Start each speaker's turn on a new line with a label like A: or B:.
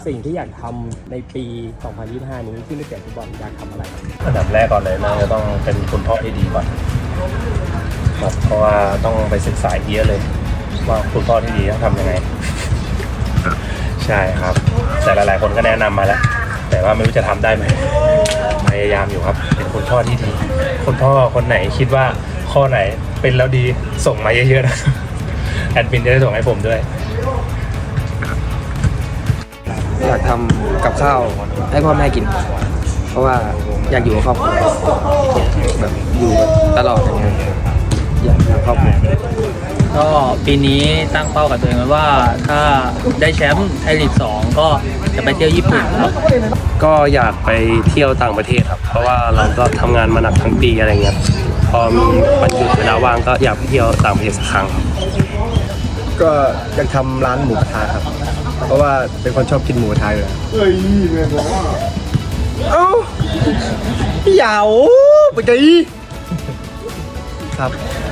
A: สิ่งที่อยากทำในปี 2025 นี้ที่ไม่เกี่ยวกับฟุตบอลอยากทำอะไรครับ
B: อันดับแรกก่อนเลยนะจะต้องเป็นคุณพ่อที่ดีก่อนครับเพราะว่าต้องไปศึกษาเยอะเลยว่าคุณพ่อที่ดีต้องทำยังไงใช่ครับแต่หลายๆคนก็แนะนำมาแล้วแต่ว่าไม่รู้จะทำได้ไหมพยายามอยู่ครับเป็นคุณพ่อที่ดีคุณพ่อคนไหนคิดว่าข้อไหนเป็นแล้วดีส่งมาเยอะๆนะแอดมินจะได้ส่งให้ผมด้วย
C: อยากทำกับข้าวให้พ่อแม่กิน เพราะว่าอยากอยู่กับครอบครัวแบบอยู่ตลอดอย่างเงี้ยอยากอยู่กับครอบครัว
D: ก็ปีนี้ตั้งเป้ากับตัวเองไว้ว่าถ้าได้แชมป์ไทยลีก 2ก็จะไปเที่ยวญี่ปุ่นครับ
B: ก็อยากไปเที่ยวต่างประเทศครับ เพราะว่าเราก็ทำงานมาหนักทั้งปีอะไรเงี้ยพอมีวันหยุดเวลาว่างก็อยากไปเที่ยวต่างประเทศสักครั้ง
E: ก็อยากทำร้านหมูกระทะครับ เพราะว่าเป็นคนชอบกินหมูกระทะอยู่แล้วเอ้าเหยาไปไกลครับ